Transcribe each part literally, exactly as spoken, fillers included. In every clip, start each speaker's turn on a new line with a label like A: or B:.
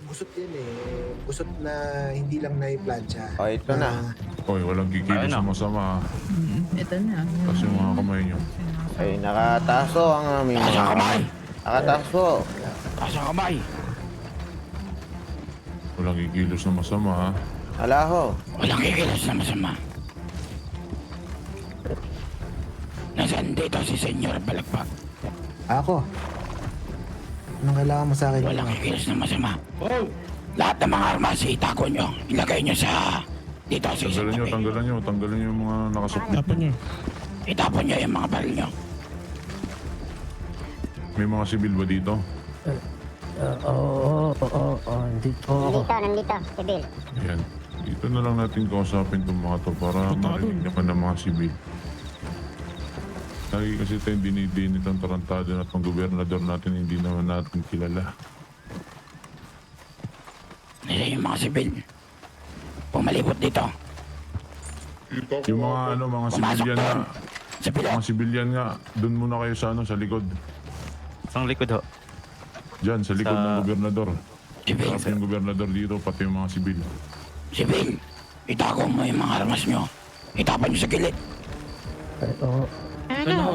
A: Busot yan eh. Busot na hindi lang na-plancha.
B: O, ito na.
C: Oy, walang kikilos sa masama.
D: Ito na.
C: Tapos yung mga kamay nyo.
B: Ay, nakataso ang aming
E: Taas
B: mga
E: ang kamay!
B: Nakataso.
E: Taas ang kamay!
C: Walang kikilos na masama ha.
B: Ala ho.
E: Walang kikilos na masama. Nasaan dito si Senyor Balagpag?
A: Ako. Anong kailangan mo sa akin?
E: Walang kikilos na masama. Lahat ng mga armas, itago nyo. Ilagay nyo sa... Dito sa isang
C: Tanggalan nyo,
E: tabi.
C: tanggalan nyo, tanggalan nyo yung mga nakasukli.
E: Itapon nyo yung mga baril nyo.
C: May mga sibil ba dito?
F: Oo, oo, oo, oo, dito ako.
G: Nandito, nandito, si Bill.
C: Ayan. Dito na lang natin kausapin itong mga to para marinig naman ng mga sibil. Lagi kasi tayong dinidinit ang tarantado na itong gobernador natin, hindi naman natin kilala.
E: Nila yung mga sibil. Pumalibot dito.
C: Yung mga ano, mga
E: Pumasok
C: sibilyan nga,
E: doon. Sa pilot.
C: mga sibilyan nga, doon muna kayo sa ano, sa likod.
H: Ang likod ho.
C: Diyan, sa likod
H: Sa-
C: ng gobernador.
E: Sibil.
C: Tapos yung gobernador dito, pati yung mga sibil.
E: Sibil. Itago mo yung mga armas nyo. Itapan nyo sa gilid.
F: Ay, oo.
D: Ano?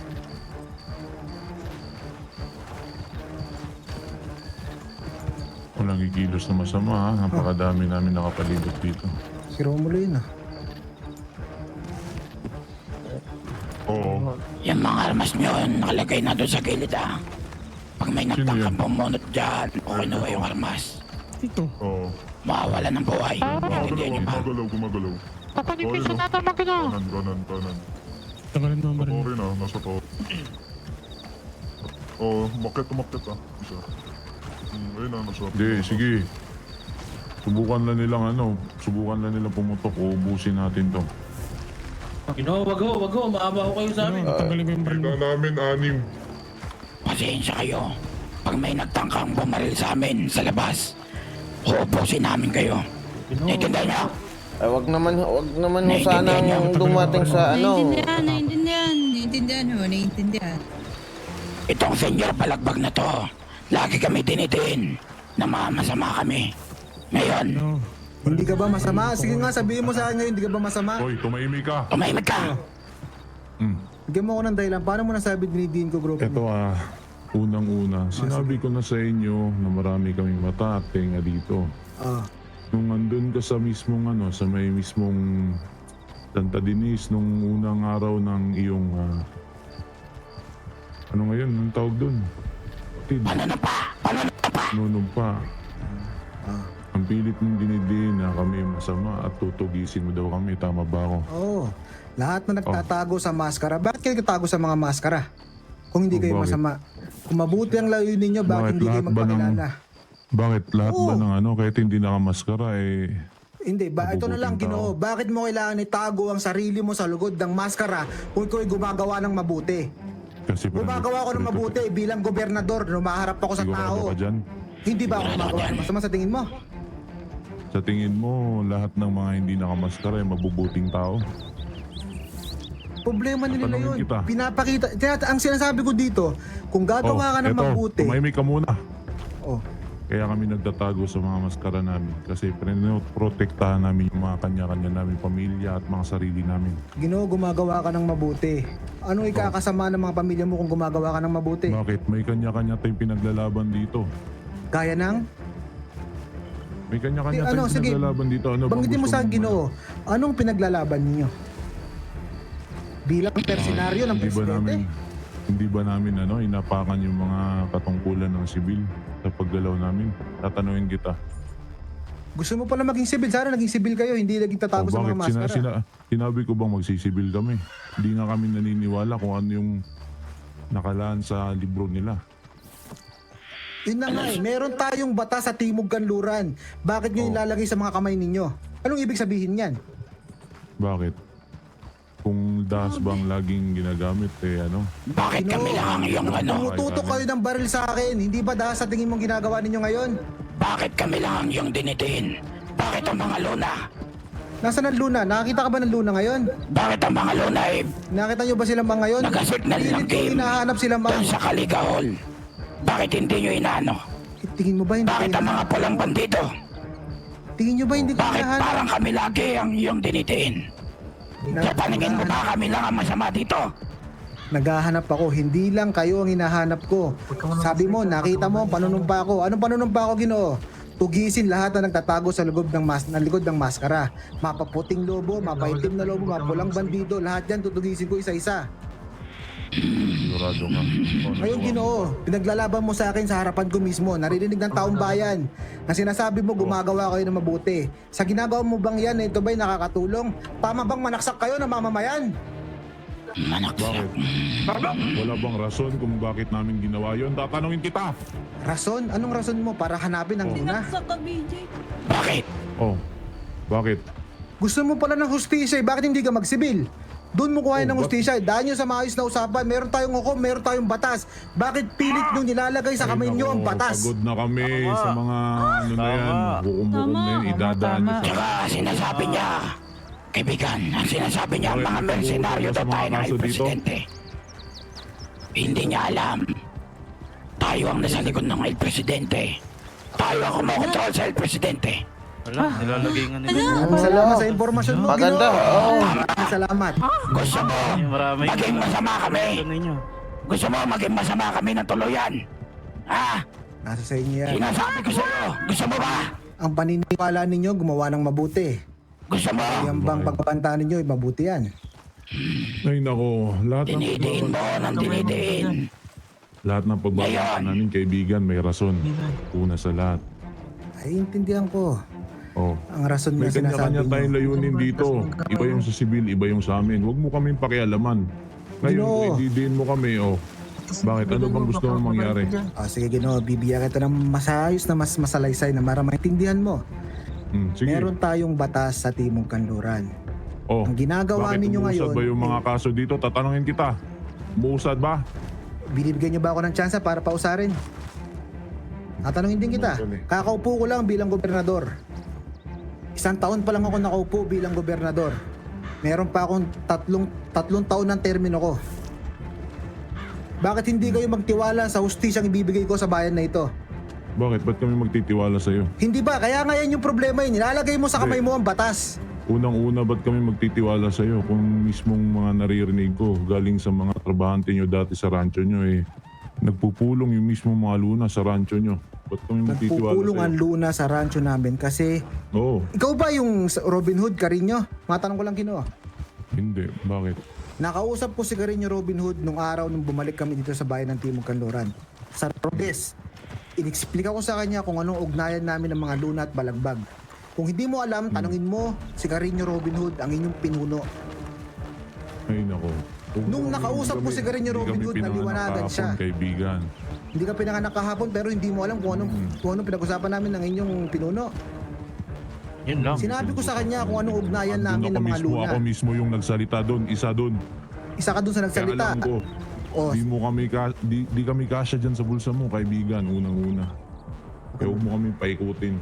C: Walang kikilos na masama ha. Napakadami namin nakapalibot dito.
A: Si Romulo yun ah.
C: Oo.
E: Yung mga armas nyo, nakalagay na doon sa gilid ah. Pag may
C: Sino
E: nagtangkang
C: yan?
E: pumunot dyan, o kinuha yung armas,
C: Oo.
E: mawawala ng buhay. Hindi nyo pa.
C: Gumagalaw, gumagalaw.
G: Papagipin sa tatabang ka niya.
C: Kanan, kanan, kanan.
I: Tagalin mo ang baril.
C: Sorry na, nasa to. Oh, umakit, umakit ah. Isa. Hmm, ayun na, nasa. Hindi, sige. Subukan lang nilang ano, subukan lang nilang pumutok, uubusin natin to.
J: Gino, wag ho, wag ho. Maawa ho kayo sa amin.
I: Tagalin mo yung baril mo.
C: namin anim.
E: Pasensya kayo. Pag may nagtangkang bumaril sa amin sa labas, uubusin namin kayo. Naiintindihan nyo?
B: Ay, wag naman, wag naman ho
E: Naiintindihan
B: sanang
E: niyo?
B: dumating sa ano.
D: Naiintindihan, naiintindihan. Naiintindihan ho, naiintindihan.
E: Itong Senyor Balagbag na to, lagi kami dinitin na masama kami. Ngayon,
I: No.
A: Hindi ka ba masama? Sige nga, sabihin mo sa akin ngayon, hindi ka ba masama?
C: Hoy, tumahimik ka.
E: tumahimik ka.
C: Hmm.
A: Bigyan mo ako ng dahilan. Paano mo nasabi dinidiin ko, bro?
C: Ito ah, unang-una, sinabi ko na sa inyo na marami kaming mata at tenga dito.
A: Ah,
C: Nung andun ka sa mismong ano, sa may mismong Santa Dinis, nung unang araw ng iyong, ah, ano ngayon, ang tawag dun? Tid,
E: Paano na pa? Paano na pa?
C: nunumpa.
A: ah.
C: Ang pilit mong dinidin na kami masama at tutugisin mo daw kami, tama ba ako?
A: Oo. Lahat na nagtatago sa maskara. Bakit kayo nagtatago sa mga maskara? Kung hindi
C: Oh,
A: kayo
C: bakit?
A: masama. Kung mabuti ang layunin ninyo, bakit
C: Bakit
A: hindi kayo
C: lahat ba ng-
A: magpakilala?
C: Bakit lahat ba
A: Oo.
C: ng ano, kahit hindi nakamaskara eh,
A: Hindi, ba, ito na lang,
C: Mabubuting
A: Ginoo.
C: tao.
A: Bakit mo kailangan itago ang sarili mo sa lugod ng maskara kung ikaw ay gumagawa ng mabuti?
C: kasi
A: Gumagawa ko ng mabuti bilang gobernador, lumaharap ako sa
C: Sigurado
A: tao.
C: ka dyan?
A: Hindi ba ako gumagawa ng masama sa tingin mo?
C: Sa tingin mo, lahat ng mga hindi nakamaskara ay mabubuting tao?
A: Problema nila
C: Tatanungin
A: yun.
C: kita.
A: Pinapakita. Tinata- ang sinasabi ko dito, kung gagawa ka ng
C: Oh, eto,
A: mabuti,
C: tumahimik ka muna.
A: oh,
C: Kaya kami nagtatago sa mga maskara namin kasi protektahan namin yung mga kanya-kanya namin pamilya at mga sarili namin.
A: Ginoo, gumagawa ka ng mabuti. Anong ikakasama ng mga pamilya mo kung gumagawa ka ng mabuti?
C: Bakit? May kanya-kanya tayong pinaglalaban dito.
A: Kaya nang?
C: May kanya-kanya
A: Di-
C: tayong
A: ano, sige,
C: pinaglalaban dito. Ano bang
A: Banggitin mo
C: gusto
A: sa akin,
C: mong-
A: Ginoo, anong pinaglalaban ninyo? Bilang persenaryo ng
C: Hindi ba
A: presidente?
C: namin, hindi ba namin ano, inapakan yung mga katungkulan ng sibil sa paggalaw namin? Tatanungin kita.
A: Gusto mo pala maging sibil? Sana naging sibil kayo, hindi naging tatago
C: O
A: sa mga
C: bakit? Sina,
A: maskara.
C: sina, sinabi ko bang magsisibil kami? Hindi nga kami naniniwala kung ano yung nakalaan sa libro nila.
A: Yun na nga eh, meron tayong bata sa Timog Kanluran. Bakit nyo
C: Oh.
A: ilalagay sa mga kamay ninyo? Anong ibig sabihin yan?
C: Bakit? Kung das bang laging ginagamit eh ano?
E: Bakit kami lang ang iyong ano?
A: Tumututok kayo ng baril sa akin. Hindi ba dahil sa tingin mong ginagawa ninyo ngayon?
E: Bakit kami lang ang iyong dinitin? Bakit ang mga luna?
A: Nasaan ang Luna? Nakakita ka ba ng Luna ngayon?
E: Bakit ang mga luna ay
A: Nakita nyo ba silang mga ngayon?
E: nagasignal ng
A: Pilit ko
E: game
A: hinahanap sila mga.
E: doon sa Kaligahol? Bakit hindi nyo inaano?
A: Tingin mo ba hindi
E: Bakit
A: kayo
E: ang mga pulang bandido?
A: Tingin nyo ba hindi kayo
E: Bakit
A: hinahanap?
E: parang kami lagi ang iyong dinidiin? Sa paningin mo ba kami lang ang masama dito?
A: Naghahanap ako, hindi lang kayo ang hinahanap ko. Sabi mo, nakita mo ang panunumpa ko. Anong panunumpa ko, Ginoo? Tugisin lahat na nagtatago sa loob ng mas ng likod ng maskara. Mapaputing lobo, mapaitim na lobo, mapulang bandido, lahat yan tutugisin ko isa-isa.
C: Sigurado ka. Oh,
A: Ngayon, Ginoo, pinaglalaban mo sa akin sa harapan ko mismo. Naririnig ng taong bayan na sinasabi mo gumagawa kayo ng mabuti. Sa ginagawa mo bang yan, ito ba'y nakakatulong? Tama bang manaksak kayo ng mamamayan?
E: Manaksak.
C: Bakit? Wala bang rason kung bakit namin ginawa yon? Tatanungin kita.
A: Rason? Anong rason mo para hanapin ang luna?
D: Sinaksak ka, B J.
E: Bakit?
C: Oh, bakit?
A: Gusto mo pala ng hustisya, eh, bakit hindi ka magsibil? Doon mo kuhain
C: Oh,
A: ng
C: bak-
A: hustisya, eh. Dahil nyo sa maayos na usapan, meron tayong hukom, meron tayong batas. Bakit pilit nyo nilalagay sa
C: Ay,
A: kamay nyo
C: nako,
A: ang batas?
C: Pagod na kami sa mga ano na yan.
H: Tama.
C: Hukum-hukum na yan.
D: Tama.
C: Idadaan nyo sa...
E: Tsaka sinasabi niya, kaibigan, ang sinasabi niya,
C: Bakit
E: mga
C: ito
E: mersenaryo
C: sa
E: daw
C: mga
E: tayo ng
C: kaso dito?
E: presidente. Hindi niya alam. Tayo ang nasa likod ng El Presidente. Tayo ang kumokontrol sa El Presidente.
H: Wala, nilalagay nga nila.
A: Maraming salamat sa impormasyon mo,
B: Maganda,
A: Ginoo.
B: oo.
A: Maraming salamat.
E: Gusto mo,
H: Marami.
E: maging masama kami.
H: Ito ninyo.
E: Gusto mo maging masama kami ng tuluyan. Ha?
A: Nasa sa inyo yan.
E: Sinasabi ko sa'yo. Gusto mo ba?
A: Ang paniniwala ninyo, gumawa ng mabuti.
E: Gusto mo?
A: Yung bang pagpapanta ninyo, eh, mabuti yan.
C: Ay nako, lahat ng
E: Dinidiin mo ng dinidiin.
C: lahat ng pagbabasa
E: Ngayon.
C: namin kaibigan may rason. Una sa lahat.
A: Ay, intindihan ko.
C: Oh.
A: Ang rason
C: May
A: na sinasabi
C: kanya-kanya tayong
A: nyo.
C: layunin dito. Iba yung sa sibil, iba yung sa amin. Huwag mo kaming pakialaman. Ngayon,
A: Ginoo.
C: kung ididiin mo kami, oh. Bakit? Ano bang gusto mong mangyari?
A: O, sige, Ginoo, bibigyan kita ng masayos na mas masalaysay na para maintindihan mo.
C: Hmm, sige.
A: Meron tayong batas sa Timog Kanluran.
C: Oh.
A: Ang ginagawa
C: Bakit
A: ninyo
C: umuusad
A: ngayon,
C: ba yung mga kaso dito? Tatanungin kita. Umuusad ba?
A: binibigyan nyo ba ako ng tsansa para pausarin? Tatanungin din kita. Kakaupo ko lang bilang gobernador. Isang taon pa lang ako nakaupo bilang gobernador. Meron pa akong tatlong, tatlong taon ng termino ko. Bakit hindi kayo magtiwala sa hustisyang ibibigay ko sa bayan na ito?
C: Bakit? Ba't kami magtitiwala sa'yo?
A: Hindi ba? Kaya nga yan yung problema yun. Nilalagay mo sa kamay mo ang batas.
C: Unang-una, ba't kami magtitiwala sa'yo kung mismong mga naririnig ko galing sa mga trabahante nyo dati sa rancho nyo eh nagpupulong yung mismong mga luna sa rancho nyo. Ba't kami magtitiwala
A: Nagpupulong ang
C: sa'yo?
A: luna sa rancho namin kasi
C: Oo,
A: ikaw ba yung Robin Hood, Carino? Matanong ko lang, Kino.
C: hindi. Bakit?
A: Nakausap ko si Carino Robin Hood nung araw nung bumalik kami dito sa bayan ng Timog Kanluran. Sa Rodes, inexplika ko sa kanya kung anong ugnayan namin ng mga luna at balagbag. Kung hindi mo alam, tanungin mo si Carino Robin Hood, ang inyong pinuno.
C: Ay nako. Kung-
A: Nung
C: kung
A: nakausap
C: hindi
A: ko
C: kami-
A: si Carino
C: hindi
A: Robin
C: kami
A: Hood,
C: pinanganak
A: naliwanagan
C: kahapon,
A: siya.
C: Kaibigan.
A: Hindi ka pinanganak kahapon pero hindi mo alam kung anong, kung anong pinag-usapan namin ng inyong pinuno.
H: Yun lang.
A: Sinabi ko sa kanya kung anong ugnayan
C: Andun
A: namin
C: ako
A: ng mga
C: mismo,
A: luna.
C: Ako mismo yung nagsalita doon. Isa doon.
A: Isa ka dun sa
C: Kaya
A: nagsalita.
C: alam ko.
A: O,
C: Di mo kami ka, di, di kami kasya dyan sa bulsa mo, kaibigan, unang-una. Kaya huwag mo kami paikutin.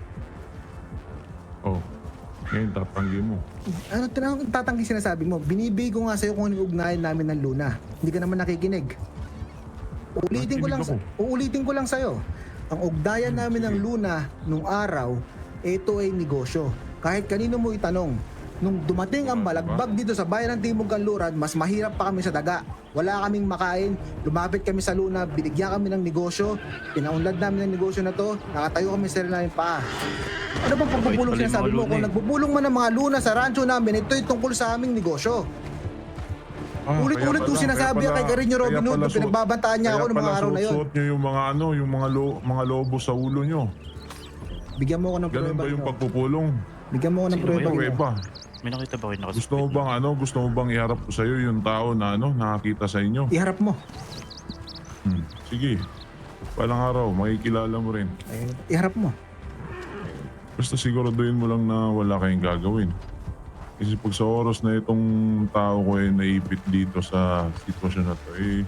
C: Oh, ngayon tatanggi mo.
A: ano tinanong tatanggi sinasabi mo? Binibigay ko nga sa'yo kung anong ugnayan namin ng luna. Hindi ka naman nakikinig. Uulitin ko lang,
C: Nakikinig
A: sa, uulitin ko lang sa'yo. Ang ugnayan namin ng luna nung araw, ito ay negosyo. Kahit kanino mo itanong, nung dumating ang balagbag dito sa bayan ng Timog Kanluran, mas mahirap pa kami sa daga. Wala kaming makain, lumapit kami sa luna, binigyan kami ng negosyo, pinaunlad namin ng negosyo na to, nakatayo kami sa sarili namin paa. Ano bang pagpupulong
H: Wait,
A: sinasabi
H: pala yung
A: mo?
H: mga
A: Kung
H: luna eh.
A: nagbubulong man ng mga luna sa rancho namin, ito'y tungkol sa aming negosyo.
C: Ah,
A: Ulit-ulit
C: kaya
A: kong
C: pala-
A: sinasabi
C: kaya
A: yan kay
C: pala-
A: Carino Robin
C: kaya
A: Hood
C: pala
A: nung
C: suot-
A: pinagbabantaan niya ako
C: kaya
A: ng mga
C: pala
A: araw na yun.
C: suot nyo yung mga ano, yung mga, lo, mga lobo sa ulo nyo.
A: Bigyan mo ako ng
C: Ganun
A: prueba.
C: ba yung
A: Gino.
C: pagpupulong?
A: Bigyan mo ako ng
H: Sino ba
A: prueba.
H: yun?
A: Gino.
C: Prueba.
H: May nakita ba kayo nakasipid?
C: Gusto mo bang ano, gusto mo bang iharap ko sa'yo yung tao na ano, nakakita sa inyo?
A: Iharap mo.
C: Hmm. Sige. Palang araw, makikilala mo rin.
A: Eh, iharap mo.
C: Basta siguraduhin mo lang na wala kayong gagawin. Kasi pag sa oras na itong tao ko ay naipit dito sa sitwasyon na to, eh,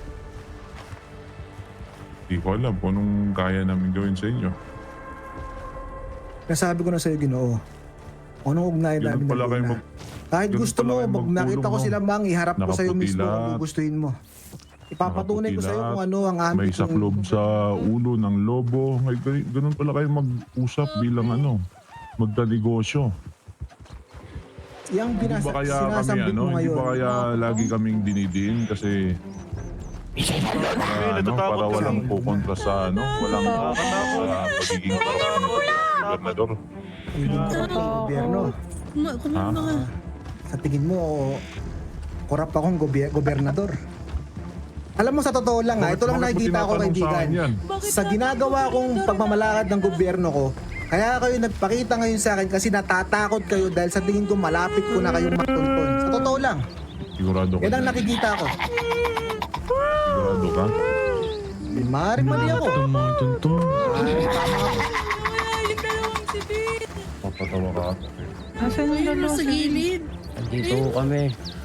C: di ko alam kung anong kaya namin gawin sa inyo.
A: Nasabi ko na sa'yo, Ginoo. Anong ugnayan
C: Ganun
A: namin
C: pala
A: ng
C: kayo
A: luna?
C: mag-
A: Kahit
C: ganun
A: gusto
C: pala
A: mo,
C: kayo
A: pag
C: magpulong,
A: nakita ko
C: no?
A: sila mang, iharap ko sa'yo
C: Nakaputi
A: mismo kung
C: lahat.
A: gugustuhin mo. Ipapatunay ko sa iyo
C: Nakaputi
A: kung ano ang aming
C: May saklob sa ulo ng lobo. Ngay, gan- ganun pala kayo mag-usap bilang ano, magka-negosyo.
A: Yang
C: Hindi
A: binasa,
C: ba kaya kami
A: sinasambit
C: ano,
A: mo
C: hindi
A: ngayon.
C: ba kaya lagi kaming dinidiin kasi
E: Isa-isa lang.
C: para, ano,
H: natatakot
C: para
H: kami.
C: walang kukontra sa ano, walang sa pagiging korap ng gobernador.
A: Hindi ka pa gobyerno.
D: Kuma- Kumalma ka.
A: Sa tingin mo, korap akong goby- gobernador. Alam mo, sa totoo lang ha, ito lang
C: Bakit mo
A: nakikita ko,
C: tinatanong sa
A: kaibigan.
C: akin yan?
A: Sa ginagawa kong pagmamalakad ng gobyerno ko, kaya kayo nagpakita ngayon sa akin kasi natatakot kayo dahil sa tingin ko malapit ko na kayong matuntun. Sa totoo lang.
C: Sigurado ka.
A: Yan ang
C: dyan?
A: nakikita ko.
C: Sigurado ka?
A: Di maaaring mali ako. Maaaring tama ako.
D: Ay, yung dalawang sibit.
C: Papatawa ka.
F: Asan yung
D: Ayun,
F: dalawa?
D: sa gilid.
F: Andito ho kami.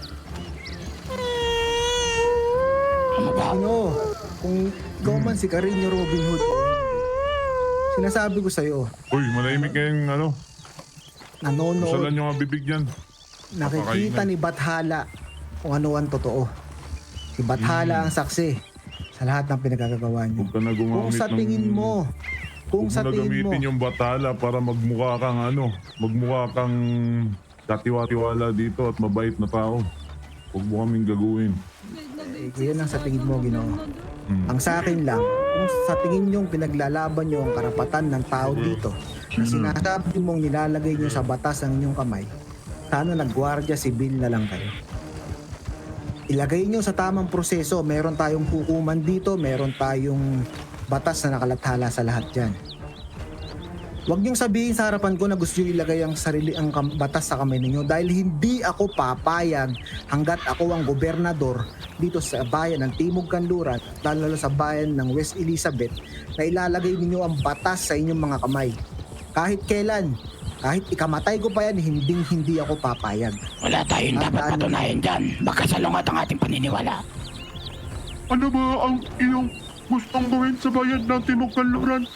A: Ano, kung ikaw man si Carino Robin Hood, sinasabi ko sa'yo,
C: Uy, manahimik kayong ano.
A: nanonood,
C: Usalan nyo nga bibig yan.
A: nakikita ni Bathala kung ano ang totoo. Si Bathala ang saksi sa lahat ng pinagkagagawa niyo.
C: Huwag ka na
A: Kung
C: gumamit
A: sa
C: ng-
A: tingin mo, kung
C: Huwag
A: sa
C: mo na
A: tingin mo,
C: gamitin yung batala para magmukha kang ano, magmukha kang katiwa-tiwala dito at mabait na tao. Huwag mo kaming gaguhin.
A: eh, yun ang sa tingin mo, Ginoo.
C: Hmm.
A: Ang sa akin lang, kung sa tingin nyo pinaglalaban nyo ang karapatan ng tao dito, na sinasabi mong nilalagay nyo sa batas ang inyong kamay, sana nagwardya sibil na lang kayo. Ilagay nyo sa tamang proseso, meron tayong hukuman dito, meron tayong batas na nakalathala sa lahat dyan. Huwag niyong sabihin sa harapan ko na gusto nyo ilagay ang sarili ang kam- batas sa kamay ninyo dahil hindi ako papayag hanggat ako ang gobernador dito sa bayan ng Timog Kanluran, lalo sa bayan ng West Elizabeth, na ilalagay ninyo ang batas sa inyong mga kamay. Kahit kailan, kahit ikamatay ko pa yan, hindi hindi ako papayag.
E: Wala tayong dapat
A: Tandaan mo.
E: patunayan dyan. Magkasalungat ang ating paniniwala.
I: Ano ba ang iyong gustong gawin sa bayan ng Timog Kanluran?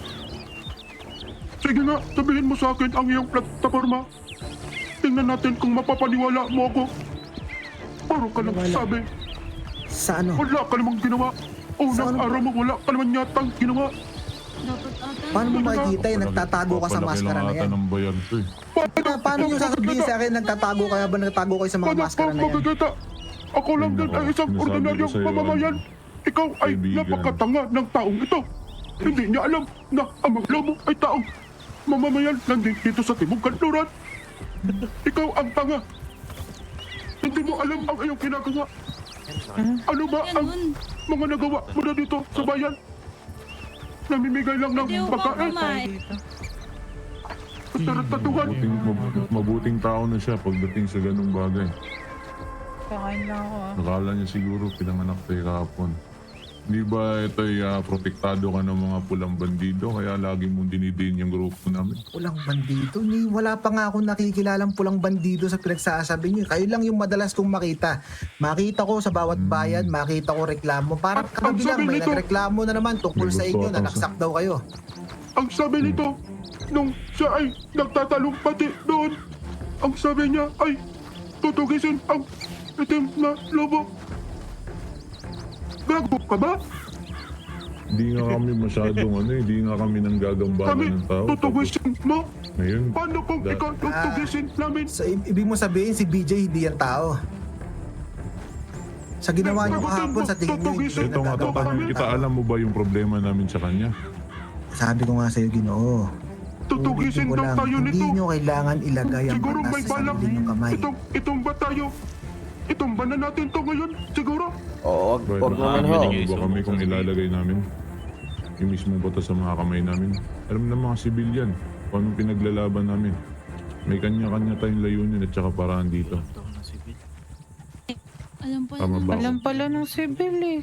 I: Sige nga, sabihin mo sa akin ang iyong plataforma. Tingnan natin kung mapapaniwala mo ako. Puro ka lang
A: Wala.
I: sabi.
A: Sa ano?
I: Wala ka namang ginawa.
A: Sa
I: Unang
A: ano ba?
I: araw mo wala ka naman yatang ginawa.
D: Dapat ata.
A: Paano mo makikita yung nagtatago ka sa
C: Papalaki
A: maskara
C: lang
A: na
C: ata
A: yan?
C: ng bayan to eh.
A: Pa- Paano nyo sasabihin sa akin nagtatago kaya ba nagtatago kayo sa mga
I: Paano
A: maskara
I: ka
A: na yan?
I: magkikita? Ako lang
C: Ay,
I: din
C: nako.
I: ay isang
C: Sinasabi
I: ordinaryong
C: ko sa'yo,
I: mamamayan. Ikaw ay
C: kaibigan.
I: napakatanga ng taong ito. Hindi niya alam na ang mga lobo ay taong mamamayan nandito dito sa Timog Kanluran. Ikaw ang tanga. Hindi mo alam ang iyong ginagawa. Ano ba ang
D: Ganun.
I: mga nagawa mo na dito sa bayan? Namimigay lang ng
D: Hindi ko ba
I: pagkain.
D: kumain?
I: Tarantatuhan.
C: Mabuting, mab- mabuting tao na siya pagdating sa ganung bagay.
F: Kakain lang ako ah.
C: Nakala niya siguro pinanganak tayo kahapon. Di ba ito'y ah, protektado ka ng mga pulang bandido kaya lagi mong dinidiin yung grupo namin?
A: Pulang bandido? Ni, wala pa nga akong nakikilalang pulang bandido sa pinagsasabi niyo. Kayo lang yung madalas kong makita. Makita ko sa bawat bayan, makita ko reklamo. Parang
I: Ang
A: kagabi lang,
I: sabi
A: may
I: nito-
A: nagreklamo na naman tungkol
C: May
A: sa
C: gusto
A: inyo,
C: atang
A: na naksak daw kayo.
I: Ang sabi nito, nung siya ay nagtatalong pati doon, ang sabi niya ay tutugisin ang itim na lobo. Gago ka ba?
C: Di nga kami masyadong ano eh, di nga kami nang
I: Kami
C: gagambalan ng tao. Tapos
I: tutugisin mo?
C: ngayon,
I: Paano kung
C: Da-
I: ikaw tutugisin namin?
A: So, i- ibig mo sabihin, si B J hindi yan tao. Sa ginawa niyo kahapon, sa tingin niyo, hindi
I: Tutugisin
C: ito nga
A: nagagawa
C: tatanungin
A: ng
C: kita,
A: tao.
C: alam mo ba yung problema namin sa kanya?
A: Sabi ko nga sa'yo, Ginoo.
I: Tutugisin
A: Ulitin ko
I: daw
A: lang,
I: tayo
A: hindi
I: nito.
A: nyo kailangan ilagay ang
I: Siguro
A: batas
I: may
A: sa
I: balak.
A: sarili nyong kamay.
I: Itong, itong ba tayo? Itong ba na natin to ngayon? Siguro?
B: Oo, wag,
C: Right,
B: wag naman ho.
C: nakakarinig ba kami kung ilalagay namin yung mismong batas sa mga kamay namin? Alam ng mga sibilyan kung anong pinaglalaban namin. May kanya-kanya tayong layunin at saka paraan dito.
D: Alam pa
C: Tama ba?
F: Alam
C: ako?
F: pala ng sibil eh.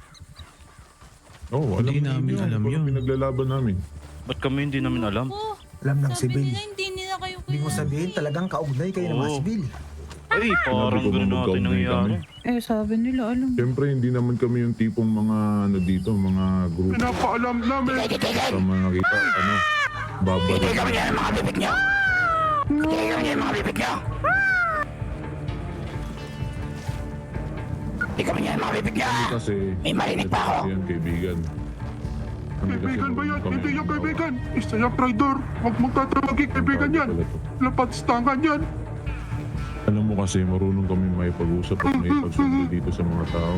C: Oo, alam
J: Hindi namin
C: ninyo
J: alam
C: kung anong
J: yun.
C: pinaglalaban namin.
H: Ba't kami hindi namin alam?
D: Oh,
A: Alam ng
D: sabi
A: sibil.
D: nila hindi nila kayo
A: Hindi mo sabihin talagang kaugnay kayo ng mga
H: Oo.
A: sibil.
H: Ay, parang
C: Sabi ko
H: gano'n natin
C: magkaugnay
H: nangyayari.
C: kami.
F: Eh sabi nila alam.
C: Siyempre, hindi naman kami yung tipong mga ano dito, mga grupo
I: Pinapaalam namin.
C: sa mga nakita, ano, babalik.
E: Tigil kami yan ang mga bibig niyo. Tigil kami yan ang mga bibig niyo. Di kami yan mabibigyan.
C: Kasi,
E: May marinig pa ako.
C: Yan, kaibigan. Kami kasi
I: Kaibigan ba yan?
C: marunong kami
I: Hindi yung
C: ng
I: kaibigan. Isa yung traidor. Huwag mong tatawagin kaibigan yan.
C: Pala to.
I: Lapatstangan yan.
C: Alam mo kasi, marunong kami may pag-usap at may pagsundo dito sa mga tao.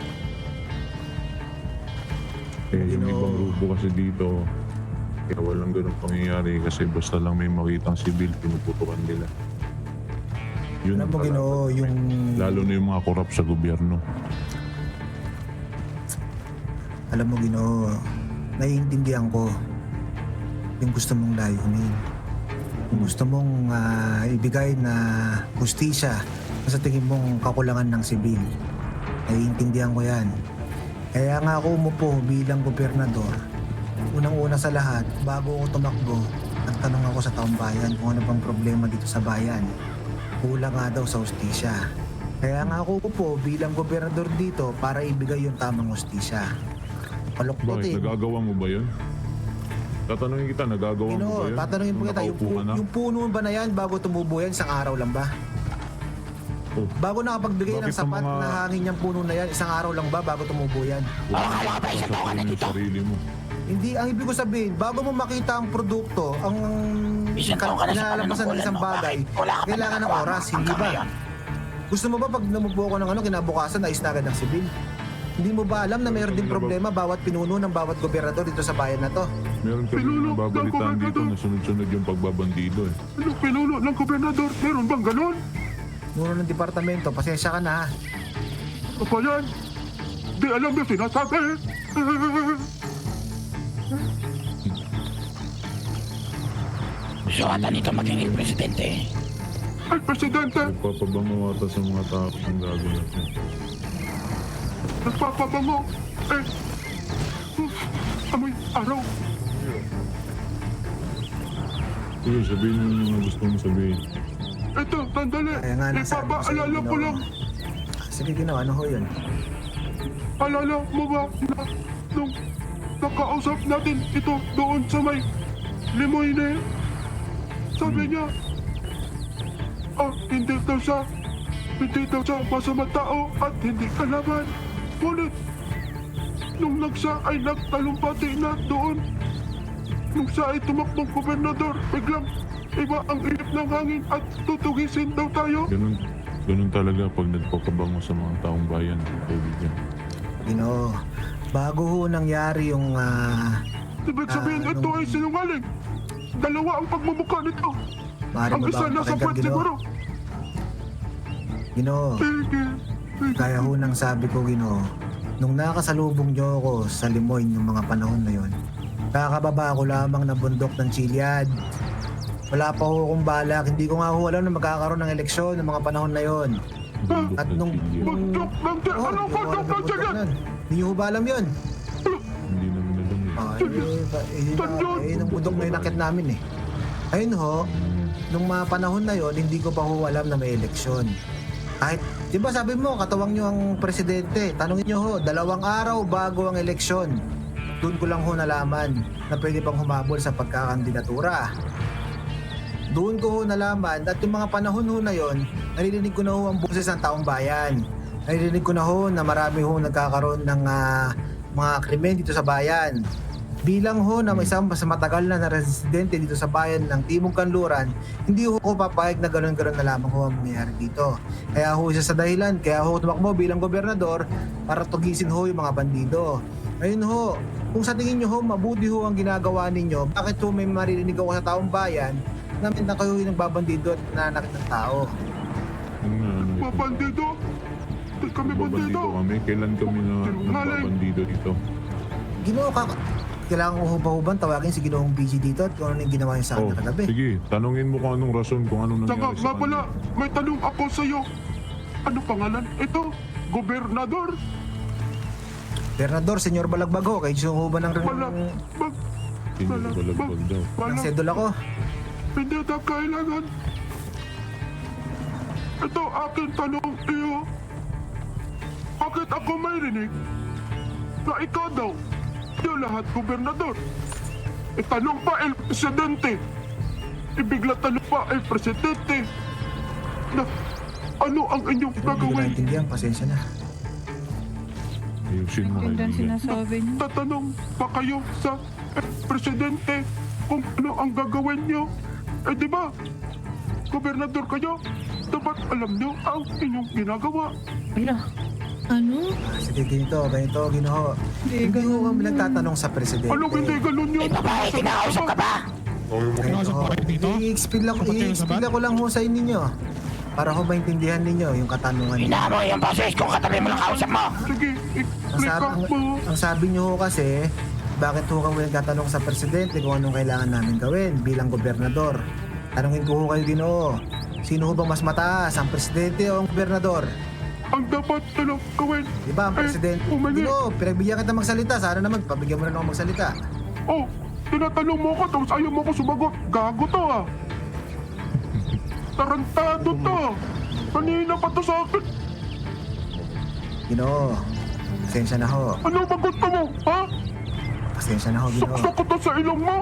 C: Eh, yung ibang grupo kasi dito, kaya walang ganun pangyayari kasi basta lang may makitang sibil, pinuputukan nila. Yun
A: Alam
C: ang
A: mo,
C: kalaban.
A: Ginoo, yung...
C: Lalo na yung mga korap sa gobyerno.
A: Alam mo, Ginoo, naiintindihan ko yung gusto mong layunin. Yung gusto mong ah, ibigay na hustisya na sa tingin mong kakulangan ng sibil. Naiintindihan ko yan. Kaya nga ako umupo bilang gobernador. Unang-una sa lahat, bago ako tumakbo, nagtanong ako sa taong bayan kung ano bang problema dito sa bayan. Kulang nga daw sa hustisya. Kaya nga ako upo bilang gobernador dito para ibigay yung tamang hustisya. Paluktot
C: Bakit?
A: eh.
C: Nagagawa mo ba yun? Tatanungin kita, nagagawa mo ba
A: Ginoo,
C: yun?
A: tatanungin po
C: Nung
A: kita, yung,
C: nakaupo ka na?
A: yung puno ba na yan bago tumubo yan, isang araw lang ba?
C: Oh,
A: Bago nakapagbigay ng
C: Bakit ang
A: sapat
C: mga-
A: na hangin yung puno na yan, isang araw lang ba bago tumubo yan?
E: O, akala ko ba isang taon ka na
C: yung
E: dito?
C: sarili mo.
A: Hindi, ang ibig ko sabihin, bago mo makita ang produkto, ang
E: Isang taon ka na sa
A: kinalampasan ng isang
E: panunungkulan mo.
A: bagay,
E: Bakit wala ka pa
A: kailangan ng
E: nagawa
A: oras,
E: hanggang
A: hindi ba?
E: ngayon?
A: Gusto mo ba pag namupo ko ng ano, kinabukasan, nais na agad ng sibil? Hindi mo ba alam na mayroon din problema bawat pinuno ng bawat gobernador dito sa bayan na to?
C: Meron kami
I: Pinuno ng
C: nababalitaan dito
I: gobernador.
C: na sunod-sunod yung pagbabandido eh.
I: Anong pinuno ng gobernador? Meron bang ganon?
A: Muro ng departamento, pasensya ka na ha.
I: Ano ba yan? Di alam yung sinasabi.
E: Gusto ata nito maging il presidente.
I: Ay, Presidente,
C: Nagpapabango ata sa mga tao ang gagawin natin.
I: nagpapabango. Eh, hmm, amoy araw.
C: Sige, sabihin mo yung mga gusto mong sabihin.
I: Ito, tandali.
A: Kaya nga nasabi ko sa'yo,
I: Ipapaalala ko
A: Ginoo.
I: lang.
A: Sige, Ginoo, ano ho yun?
I: Alala mo ba na nung nakausap natin ito doon sa may Limoyne? Sabi niya, ah, hindi daw siya, hindi daw siya masama tao at hindi kalaban. Ngunit, nung nagsa ay nagtalumpati na doon, nung siya ay tumakbong gobernador, biglang iba ang inip ng hangin at tutugisin daw tayo.
C: Ganun, ganun talaga pag nagpapabango sa mga taong bayan, kaibigan.
A: Ginoo, bago ho nangyari yung ah,
I: Ibig sabihin,
A: Ah,
I: ito
A: nung-
I: ay sinungaling. Dalawa ang pagmumukha nito.
A: maaari
I: Ang
A: mo
I: isa
A: ba
I: nasa
A: pakinggan,
I: puwet
A: Ginoo?
I: siguro.
A: Ginoo,
I: Sige. Sige.
A: kaya ho nang sabi ko, Ginoo, nung nakasalubong niyo ako sa Limoyne ng mga panahon na yon, kakababa ko lamang ng bundok ng Chiliad. Wala pa ho akong balak, hindi ko nga ho alam na magkakaroon ng eleksyon ng mga panahon na yon.
C: Bundok
A: At
C: ng
A: nung...
C: Chilya.
I: Bundok ng di-
A: Oo,
I: Anong
A: hindi ko
I: bundok
A: alam
I: ng
A: yung
I: sige?
A: bundok nun. Hindi niyo ho ba alam yun?
C: Hindi namin alam eh.
A: Ah, eh, ba- eh, yun
I: Saan
A: na-
I: yun?
A: eh, yun ang bundok na inakit namin eh. Ayun ho,
C: Hmm.
A: nung mga panahon na yon, hindi ko pa ho alam na may eleksyon. Kahit, di ba sabi mo, katawang nyo ang presidente. Tanungin nyo ho, dalawang araw bago ang eleksyon. Doon ko lang ho nalaman na pwede pang humabol sa pagkakandidatura. Doon ko ho nalaman at yung mga panahon ho na yon, naririnig ko na ho ang boses ng taong bayan. Naririnig ko na ho na marami ho nagkakaroon ng ah, mga krimen dito sa bayan. Bilang ho na may isang mas matagal na na residente dito sa bayan ng Timog Kanluran, hindi ho ko papayag na gano'n-gano'n na lamang ho ang mangyayari dito. Kaya ho isa sa dahilan, kaya ho tumakbo bilang gobernador para tugisin ho yung mga bandido. Ayun ho, kung sa tingin nyo ho, mabuti ho ang ginagawa ninyo, bakit ho may maririnig ako sa taong bayan na, na kayo yung nagbabandido at nananakit ng tao?
C: Ano nga, ano
I: Mga
C: ito?
I: bandido. Di kami bandido.
C: Babandido kami? Kailan kami na
I: Sinungaling.
C: nagbabandido dito?
A: Ginoo ka, kailangan ko ho ba ho bang tawagin si Ginoong B G dito at kung ano yung ginawa niya sa akin
C: Oh,
A: na kagabi?
C: sige, tanungin mo kung anong rason, kung anong
I: Saka
C: nangyari
I: nga
C: sa
I: pala,
C: kanya.
I: may tanong ako sa iyo. Ano pangalan? Ito, gobernador.
A: Bernador, senyor Balagbag ho, kayo gusto ho ba ng,
I: Wala. Mag,
C: Hindi
I: wala,
C: ko balagbag
I: mag-
C: daw.
A: ng
I: wala.
A: sedula ko?
I: Hindi na kailangan. Ito aking tanong iyo. Bakit ako may rinig na ikaw daw, yung lahat gobernador? Itanong pa el presidente. Ibigla tanong pa el presidente. Na ano ang inyong
A: Hindi ko
I: gagawin?
A: naintindihan, pasensya na.
C: Ayusin mo,
D: Yun ang
C: kaibigan.
D: sinasabi niyo.
I: Tatanong pa kayo sa eh, presidente kung ano ang gagawin nyo. Eh di ba? Gobernador kayo. Dapat alam nyo ang inyong ginagawa.
D: Ano?
A: Ah, sige, ganito, ganito, Ginoo. Hindi ho kami nagtatanong sa presidente.
I: Alam hindi ganun yun.
E: Eh, babae, kinakausap ka ba?
A: Ganito ho. I-explain lang, i-explain ko lang ho sa inyo. Para ho maintindihan ninyo yung katanungan niyo.
E: Ina mo yung boses kung katabi mo lang kausap mo.
I: Sige,
A: Ang
I: i-click
A: sabi, ang,
I: mo.
A: ang sabi niyo ho kasi, bakit ho kami nagtatanong sa presidente kung anong kailangan namin gawin bilang gobernador? Tanungin ko ho kayo, Ginoo. Sino ho bang mas mataas, ang presidente o ang gobernador?
I: Ang dapat na lang gawin.
A: Di ba, ang
I: Eh,
A: presidente?
I: umangi.
A: Ginoo, pinagbigyan kita magsalita. Sana naman, pabigyan mo na ako magsalita.
I: Oh, tinatanong mo ko tapos ayaw mo ko sumagot. Gago to ah. Tarantado to. Kanina pa to sa akin.
A: Ginoo, pasensya na ho.
I: Ano ba gusto mo? Ha?
A: Pasensya na ho, Ginoo.
I: Saksak ko to sa ilong mo.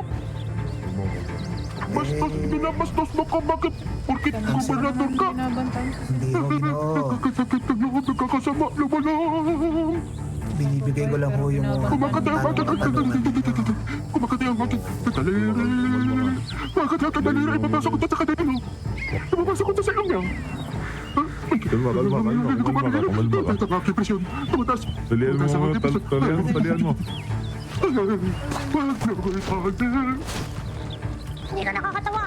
I: Bastos,
A: Eh,
I: binabastos mo ko. Bakit? Porkit gobernador ka.
D: Binabantayan sa
A: hindi ho, Ginoo.
I: Nagkasakit ng loob, nagkakasama. Lumalang.
A: Binibigay ko lang ho yung mga
I: Kumakati ang ating
A: tanong-tanungan ninyo.
I: Kumakati ang ating daliri. Kumakati ang daliri. Ipapasok ko to sa kanino. Ipapasok ko to sa ilong niya.
C: Kalma, kalma, kalma, kalma ka, kumalma ka.
I: Ito ang aking presyon. Tumataas.
C: Talian mo,
I: Tumataas ang
C: mo,
I: aking
C: tal-
I: presyon.
C: talian mo, talian mo.
I: Wag na ko itahan.
G: Hindi ka nakakatawa.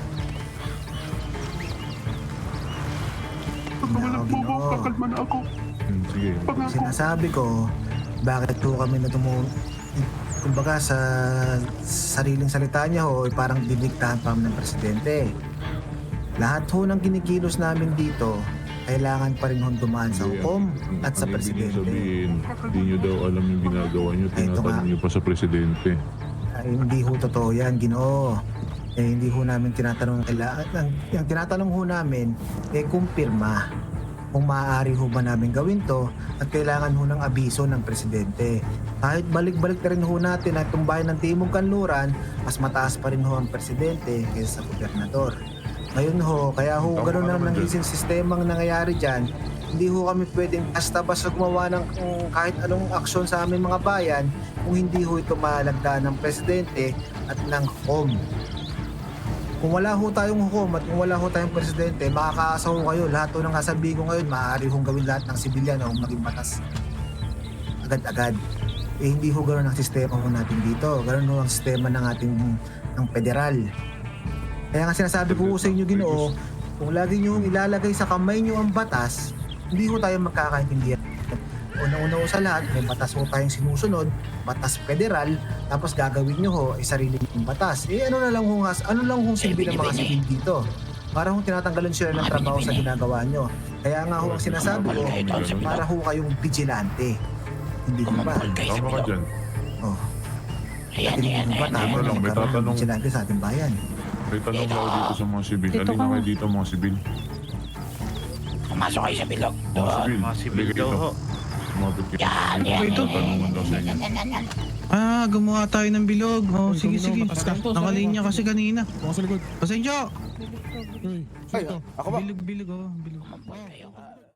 I: Pag walang bobo, kakalma na ako.
C: Hmm, sige.
I: Pangako.
A: Sinasabi ko, bakit po kami na tumu... Kumbaga sa sariling salita niya ho, ay parang diniktahan pa kami ng presidente. Lahat ho ng kinikilos namin dito, kailangan pa rin hong dumaan sa hukom at sa
C: Ang ibig
A: presidente.
C: sabihin, hindi nyo daw alam yung ginagawa nyo,
A: Ay, ito nga.
C: tinatanong nyo pa sa presidente.
A: Ay, hindi ho totoo yan, Ginoo. Eh, hindi ho namin tinatanong kailangan. Ang, yung tinatanong ho namin, eh, kumpirma kung maaari ho ba namin gawin to at kailangan ho ng abiso ng presidente. Kahit balik-balik na rin ho natin at tumbayan ng Timog Kanluran, mas mataas pa rin ho ang presidente kaysa sa gobernador. Ngayon ho, kaya ho
C: Tama
A: gano'n
C: ka
A: na
C: naman
A: ng
C: dyan.
A: isang sistemang nangyayari dyan, hindi ho kami pwedeng basta-basta gumawa ng kung kahit anong aksyon sa aming mga bayan kung hindi ho ito malagdaan ng presidente at ng hukom. Kung wala ho tayong hukom at kung wala ho tayong presidente, makakaasa ho kayo. Lahat ho ng kasabihin ko ngayon, maaari hong gawin lahat ng sibilyan o maging batas agad-agad. Eh hindi ho gano'n ang sistema ho natin dito. Gano'n ho ang sistema ng ating ng federal. Kaya nga sinasabi ko ho sa inyo, Ginoo, kung lagi nyo ilalagay sa kamay nyo ang batas, hindi ho tayo magkakaintindihan. Una-una ho sa lahat, may batas ho tayong sinusunod, batas federal, tapos gagawin nyo ho ay sarili nyong batas. Eh ano na lang ho, nga- ano lang ho silbi ng mga sibil dito? Para ho tinatanggalan sila ng trabaho sa ginagawa nyo. Kaya nga ho ang sinasabi ko, para ho kayong vigilante. Hindi ho ba?
E: Kumampol kayo sa
C: Tama ka
E: bilog.
C: dyan.
A: Oh,
E: Ayan,
A: hindi
E: ayan,
A: ho ba
E: ayan.
A: tama
C: Ano
A: na
C: lang, may
A: magkaroon ng
C: tatanong.
A: vigilante sa ating bayan?
C: May tanong ako dito sa mga sibil.
D: Dito
C: Halina
D: ka.
C: kayo dito mga sibil.
E: Pumasok kayo sa bilog.
C: Mga
E: Doon.
C: sibil.
H: Mga sibil
C: halika
H: daw
C: dito.
H: ho.
C: Lumapit kayo.
E: Yan, yan.
H: Ito.
C: Tanungan daw sa inyo.
E: Yan, yan, yan.
K: Ah, gumawa tayo ng bilog. Oh,
J: Uy,
K: sige,
J: Gumino,
K: sige.
J: batas ka.
K: Nakalinya kasi kanina.
J: Bukas sa likod.
K: Pasensya.
J: Uy,
B: Ay, ako ba?
K: Bilog, bilog, oh. Bilog.
E: Kumampol kayo.